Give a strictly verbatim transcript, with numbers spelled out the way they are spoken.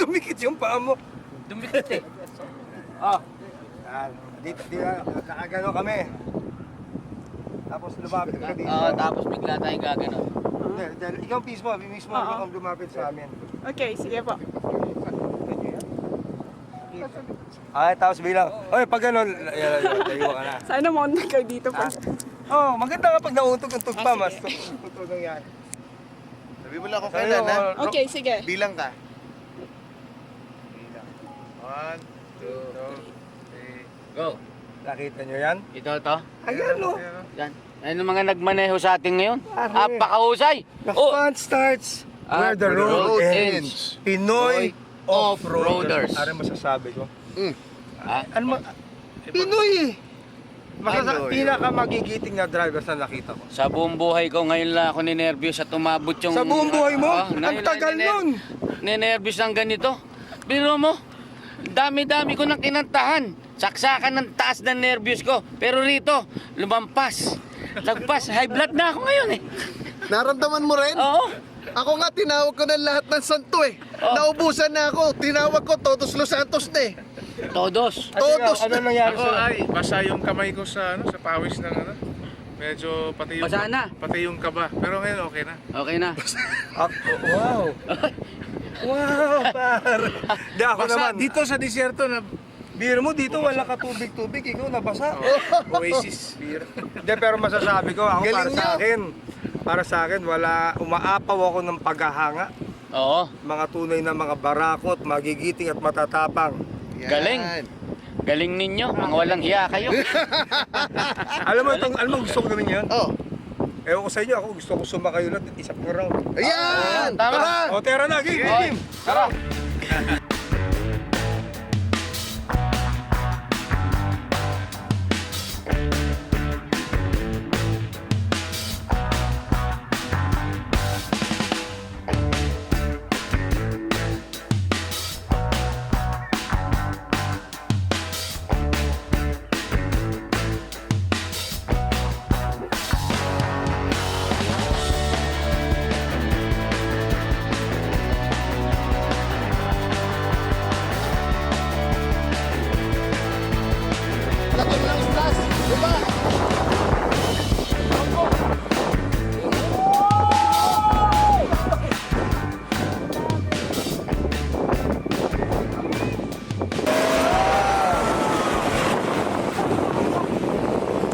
dumikit yung paa mo. Dumikit eh. Ah. Yan. Dito, dito, nakagano kami. Tapos lumapit ka dito. Oo, tapos bigla tayong gagano. Hindi, dahil ikaw mismo, mismo Oo. ikaw ang lumapit sa amin. Okay, sige po. Ay, tapos bilang, oy, pag gano'n, ayan, tayo ka na. Sana maunta kayo dito pa. Oh, maganda kapag nauntog-untog pa, mas tutulong yan. Sabi mo lang kung Sabi kailan, mo, ha? ro- Okay, sige. Bilang ka. Bilang. One, two, three. Go. Nakita nyo yan? Ito, ito. Ayan, no. Yan. Ano mga nagmaneho sa atin ngayon? Pare. Apakahusay. The Oh, fun starts Ah, where the road, road ends. Pinoy Off-roaders. off-roaders. Ano masasabi ko? Mm. Ah, Ano ma... Pinoy eh! Masasa- Pinoy. pinaka magigiting na drivers na nakita ko. sa buong buhay ko ngayon lang ako ninervyos at umabot yung... Sa buong buhay mo? Ah, Ang ngayon lang tagal niner- nun! Ninervyos ng ganito. Biro mo, dami-dami ko nang kinantahan. Saksakan ng taas ng nervyos ko. Pero rito, lumampas. Lagpas, high blood na ako ngayon eh. Naramdaman mo rin? Oo. Ako nga, tinawag ko ng lahat ng santo eh. Oh. Naubusan na ako. Tinawag ko, Todos Los Santos na eh. Todos. Ano, Todos ano na. nangyari Ako sa... ay basa yung kamay ko sa ano sa pawis ng ano. Medyo pati yung Basa na. pati yung kaba. Pero ngayon okay na. Okay na. Ah, wow! Wow, par! Di ako Basa naman. dito sa disyerto na Biro mo dito, wala ka tubig-tubig. Ikaw nabasa. Oasis beer. Hindi, pero masasabi ko, ako para Galing sa niya. akin, para sa akin, wala, umaapaw ako ng paghahanga. Oo. Mga tunay na mga barakot, magigiting at matatapang. Yan. Galing. Galing ninyo. Mga walang hiya kayo. Alam mo, itong, alam mo gusto ko gawin yun? Oh. Ewan ko sa inyo, ako gusto ko sumakay ulit at isa pang round. Ayan! tama. Tara! O, tera na, game, Okay. game! Tara. Laking lang plus, di ba?